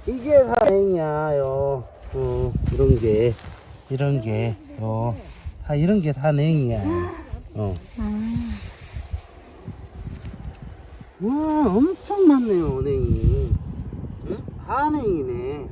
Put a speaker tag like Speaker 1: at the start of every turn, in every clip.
Speaker 1: 이게 다행이야, 요. 이런 게, 다 이런 게 다 냉이야. 와, 엄청 많네요, 냉이. 응? 다 냉이네.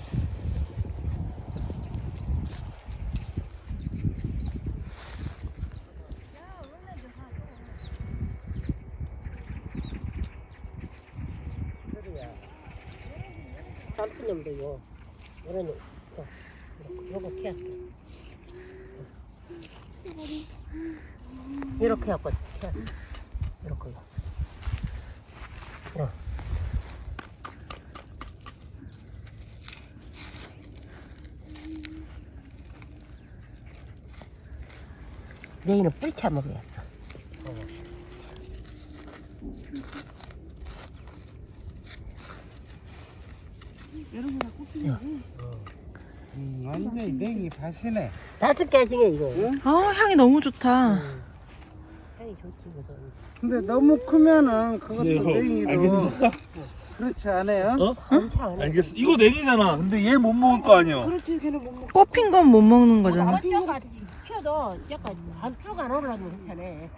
Speaker 2: 단풍님도요. 이런 요거 캐. 이렇게 하고 캐. 이렇게. 내일은 뿌리채 먹어야죠.
Speaker 1: 완전히 냉이 밭이네.
Speaker 2: 5개 중에 이거.
Speaker 1: 응?
Speaker 3: 향이 너무 좋다.
Speaker 2: 향이 좋지 무슨.
Speaker 1: 근데 너무 크면은 그것도 냉이도 그렇지 않아요?
Speaker 2: 괜찮아.
Speaker 4: 알겠어. 이거 냉이잖아. 근데 얘 못 먹을 거 아니야.
Speaker 5: 그렇지, 걔는 못 먹고.
Speaker 3: 꼽힌 건 못 먹는 거잖아.
Speaker 2: 뼈가 펴도 약간 안쪽 안 올라오면 괜찮네.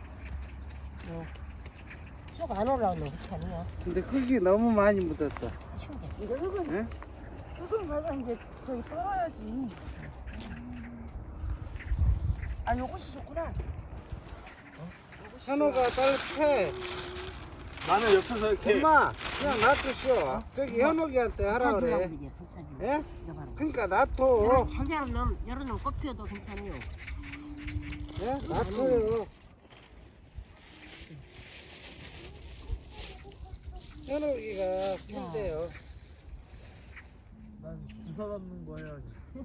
Speaker 2: 쭉 안 올라오면 괜찮아요.
Speaker 1: 근데 흙이 너무 많이 묻었다.
Speaker 5: 이거 흙은,
Speaker 1: 예?
Speaker 5: 흙은 가서 이제 저기 떨어야지. 아, 요것이 좋구나.
Speaker 1: 현호가 딸패.
Speaker 4: 나는 옆에서 이렇게.
Speaker 1: 엄마, 그냥 놔두시오. 저기 현호기한테 하라 그래. 예? 그러니까 놔둬.
Speaker 2: 여러 놈 꼽혀도 괜찮아요.
Speaker 1: 예? 놔둬요. 현호기가 큰데요.
Speaker 4: 난 주사 받는 거 해야지.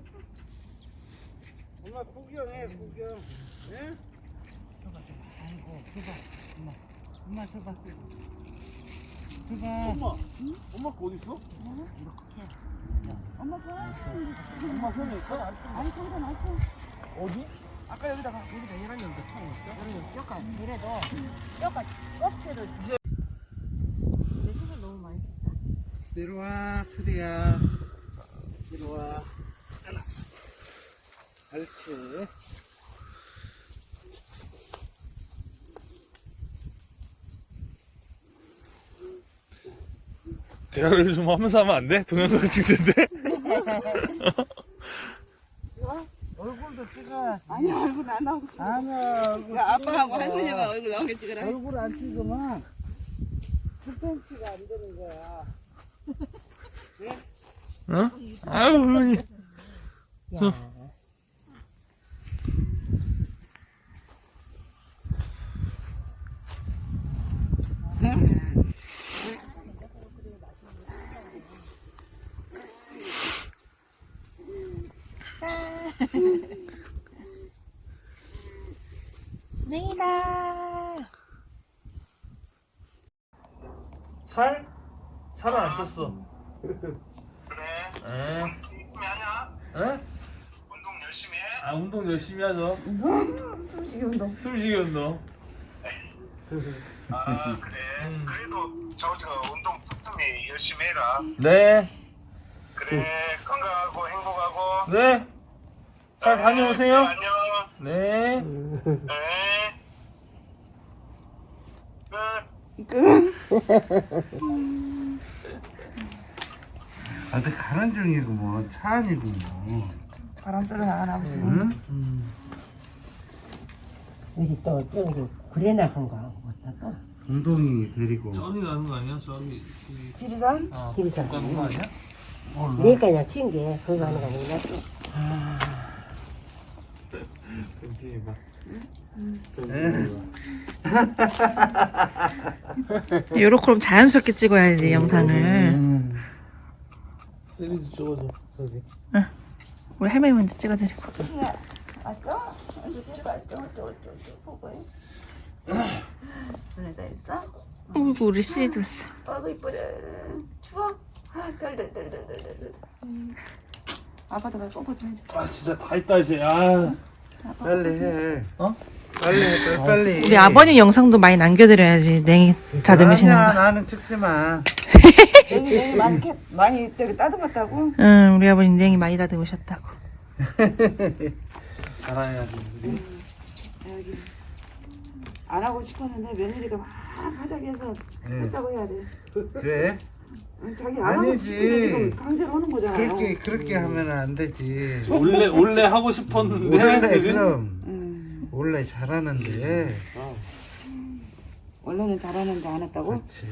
Speaker 1: 엄마 구경해, 구경. 예?
Speaker 2: 아이고, 엄마 줘봐.
Speaker 1: 그가
Speaker 4: 엄마. 응? 엄마 거 어디 있어?
Speaker 2: 이렇게.
Speaker 5: 엄마 거.
Speaker 4: 엄마 손에 있어?
Speaker 5: 아니, 거기다 놨어.
Speaker 4: 어디?
Speaker 5: 아까 여기다가.
Speaker 2: 여기다 이런 놈도 타요. 이런 놈 뼈가 이래도 뼈가 껍질을. 내가 너무 많이 썼다.
Speaker 1: 내려와, 수리야. 내려와. 하나. 옳지.
Speaker 4: 대화를 좀 하면서 하면 안 돼? 동영상 찍는데?
Speaker 1: 얼굴도 찍어.
Speaker 5: 아니, 얼굴 안 나오고.
Speaker 1: 아니야, 얼굴
Speaker 5: 야, 아빠하고
Speaker 1: 찍어서.
Speaker 5: 할머니가 얼굴 나오게 찍으라.
Speaker 1: 얼굴 안 찍으면 10cm가 안 되는 거야.
Speaker 4: 어? 아유, 어머니.
Speaker 2: 야.
Speaker 3: 냉이다.
Speaker 4: 살? 살은 안 쪘어.
Speaker 6: 그래.
Speaker 4: 에?
Speaker 6: 열심히 하냐?
Speaker 4: 에?
Speaker 6: 운동 열심히 해?
Speaker 4: 아, 운동 열심히 하죠.
Speaker 5: 숨쉬기 운동.
Speaker 4: 숨쉬기 운동.
Speaker 6: 아 그래. 그래도 저기가 운동 틈틈이 열심히 해라.
Speaker 4: 네.
Speaker 6: 그래. 건강하고 행복하고.
Speaker 4: 네. 잘 다녀오세요.
Speaker 6: 안녕.
Speaker 4: 네.
Speaker 6: 네. 끝.
Speaker 1: 어디 가는 중이고 뭐 차 아니고 뭐.
Speaker 5: 바람 쐬러 나가나 보지.
Speaker 1: 응?
Speaker 2: 여기 또 저기 구레나 한가 또
Speaker 1: 운동이 데리고.
Speaker 4: 쩐이 나는 거 아니야? 저기.
Speaker 5: 지리산?
Speaker 2: 지리산.
Speaker 4: 가는 거 아니야?
Speaker 2: 내가 그냥 쉰게 그거 하는 거 아니라
Speaker 4: 괜찮이 봐.
Speaker 3: 요렇게 자연스럽게 찍어야지 영상을.
Speaker 4: 시리즈 찍어줘. 저기.
Speaker 3: 우리 할머니 먼저 찍어드리고.
Speaker 5: 왔어? 언제 데려갔죠? 어쩌고 보고 해. 너네가 있어?
Speaker 3: 어이구 우리 시리도 있어.
Speaker 5: 아이고 이쁘다. 추워? 덜덜덜덜덜덜. 아빠도 가 꼼꼼 좀 해줘.
Speaker 4: 아, 진짜 다 했다, 이제. 아.
Speaker 1: 빨리 해.
Speaker 4: 어?
Speaker 1: 빨리 해, 빨리.
Speaker 3: 우리 아버님 영상도 많이 남겨드려야지 냉이 다듬으시는
Speaker 1: 아니야,
Speaker 3: 거.
Speaker 1: 나는 찍지 마.
Speaker 5: 냉이 많이 저기 따듬었다고?
Speaker 3: 응, 우리 아버님 냉이 많이 다듬으셨다고.
Speaker 4: 자랑해야지. 그지?
Speaker 5: 여기 안 하고 싶었는데 며느리가 막 하자기해서 했다고 해야 돼.
Speaker 1: 왜?
Speaker 5: 자기 안 하고
Speaker 1: 아니지.
Speaker 5: 싶은데 지금 강제로 오는 거잖아요.
Speaker 1: 그렇게 하면 안 되지.
Speaker 4: 원래 하고 싶었는데.
Speaker 1: 원래
Speaker 4: 그지?
Speaker 1: 그럼 원래 잘하는데.
Speaker 4: 어.
Speaker 5: 원래는 잘하는데 안 했다고?
Speaker 1: 그렇지.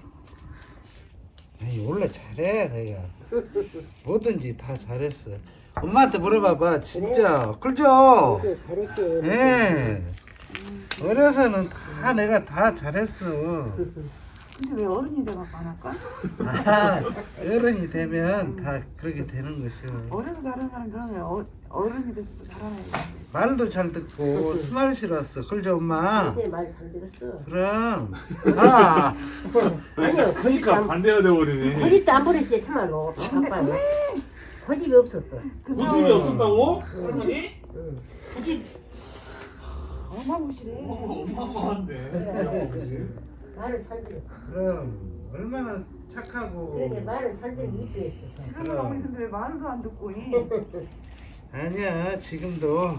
Speaker 1: 아니 원래 잘해 내가. 뭐든지 다 잘했어. 엄마한테 물어봐봐 진짜. 그죠?
Speaker 2: 잘했지.
Speaker 1: 예. 어려서는 다 내가 다 잘했어.
Speaker 5: 근데 왜 어른이 돼갖고 안 할까?
Speaker 1: 아, 어른이 되면 다 그렇게 되는 것이요.
Speaker 5: 어려서 잘하는 사람 그러면 어른이 돼서 잘하는 거.
Speaker 1: 말도 잘 듣고 스마일 싫었어. 그죠 엄마?
Speaker 2: 말잘 들었어.
Speaker 1: 그럼. 아.
Speaker 2: 아니요,
Speaker 4: 그러니까 반대가 돼버리네.
Speaker 2: 고집도 안 부렸어요, 참말로. 아빠는. 고집이 없었어.
Speaker 4: 고집이 없었다고? 할머니? 고집
Speaker 5: 어마무시래.
Speaker 4: 어마어마한데. 그지?
Speaker 2: 말을 잘 들어.
Speaker 1: 그럼 얼마나
Speaker 2: 그러게
Speaker 1: 착하고.
Speaker 2: 말을 잘 들어 이쁘했어.
Speaker 5: 지금은 어머니 근데 왜 말도 안 듣고 이?
Speaker 1: 아니야 지금도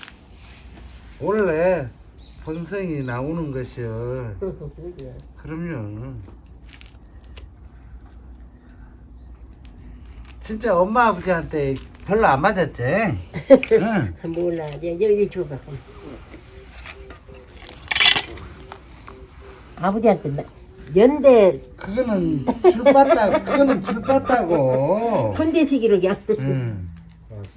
Speaker 1: 원래 본성이 나오는 것이요. 그럼요. 진짜 엄마 아버지한테 별로 안 맞았지? 응.
Speaker 2: 몰라. 여기 줘봐. 아버지한테 연대
Speaker 1: 그거는 줄 빻다고.
Speaker 2: 군대 시기로 그냥.
Speaker 1: 응.
Speaker 4: 맞아.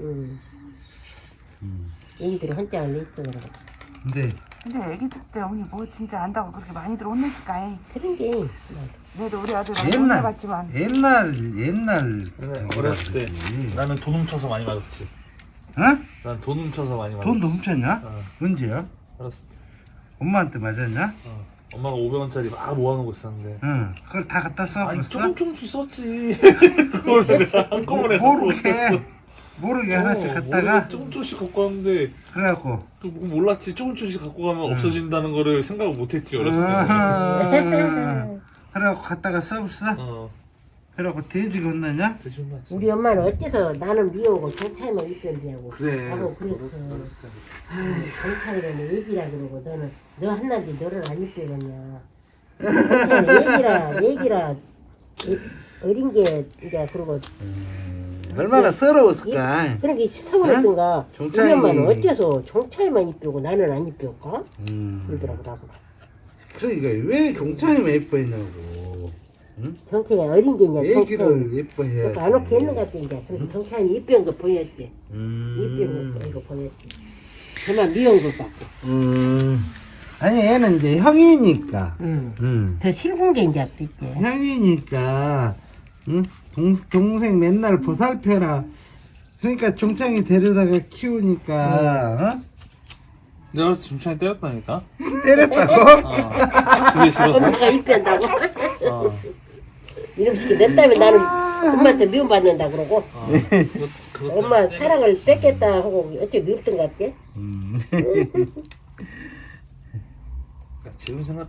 Speaker 2: 얘기들이 한장을 냈어 그래.
Speaker 1: 근데
Speaker 5: 근데 애기들 때 어머니 뭐 진짜 안다고 그렇게 많이들 혼냈을까?
Speaker 2: 그런 게
Speaker 5: 내도 우리 아들 많이
Speaker 1: 옛날
Speaker 5: 혼내봤지만
Speaker 1: 옛날
Speaker 4: 어렸을 때 나는 돈 훔쳐서 많이 맞았지.
Speaker 1: 어?
Speaker 4: 난 돈 훔쳐서 많이 맞았지.
Speaker 1: 돈도 훔쳤냐?
Speaker 4: 어.
Speaker 1: 언제야?
Speaker 4: 어렸을 때.
Speaker 1: 엄마한테 맞았냐?
Speaker 4: 엄마가 500원짜리 막 모아놓고 있었는데.
Speaker 1: 응. 그걸 다 갖다
Speaker 4: 아니
Speaker 1: 써버렸어?
Speaker 4: 조금씩 썼지. 그걸 내가 한꺼번에
Speaker 1: 모르게 하나씩 갖다가
Speaker 4: 조금씩 갖고 왔는데
Speaker 1: 그래갖고
Speaker 4: 또 몰랐지. 조금씩 갖고 가면 없어진다는 거를 생각을 못했지 어렸을 때.
Speaker 1: 그래갖고 갖다가 써봤어? 그래갖고 돼지가 혼나냐?
Speaker 4: 대신 혼났지.
Speaker 2: 우리 엄마는 어째서 나는 미워고 경찰만 입변이냐고
Speaker 4: 그래.
Speaker 2: 하고 그랬어.
Speaker 4: 어렸을 때.
Speaker 2: 경찰이라는 얘기라 그러고 너는 너 한나지 너를 안 입변이냐. 경찰은 얘기라 어린 게 이제 그러고
Speaker 1: 얼마나 서러웠을까?
Speaker 2: 그런 게 서운했던가. 우리
Speaker 1: 경찰이-
Speaker 2: 엄마는 어째서 경찰만 입변고 나는 안 입변까? 그러더라고 나보고.
Speaker 1: 그러니까 왜 경찰이만 예뻐했냐고. 응?
Speaker 2: 경찰이 어린 게 이제
Speaker 1: 애기를 예뻐해야지.
Speaker 2: 그러니까 안 오게 했는 것 같아 이제. 그래서 경찰이 입변 거 보였지. 입변 거 이거 보였지. 그만 미운 것 같고.
Speaker 1: 아니 얘는 이제 형이니까.
Speaker 2: 더 싫은 게 이제 있지.
Speaker 1: 형이니까. 응? 동생 맨날 보살펴라. 그러니까 종창이 데려다가 키우니까. 어?
Speaker 4: 내가 어렸을 때 중창이 때렸다니까.
Speaker 1: 때렸다고?
Speaker 4: 그게 싫어서.
Speaker 2: 엄마가 입변다고.
Speaker 4: 어.
Speaker 2: 이름 시키 내 때문에 나는 엄마한테 미움받는다 그러고
Speaker 4: 그것
Speaker 2: 엄마 사랑을 뺏겠다 하고 어째 미웠던 것 같지?
Speaker 4: 지금 생각하면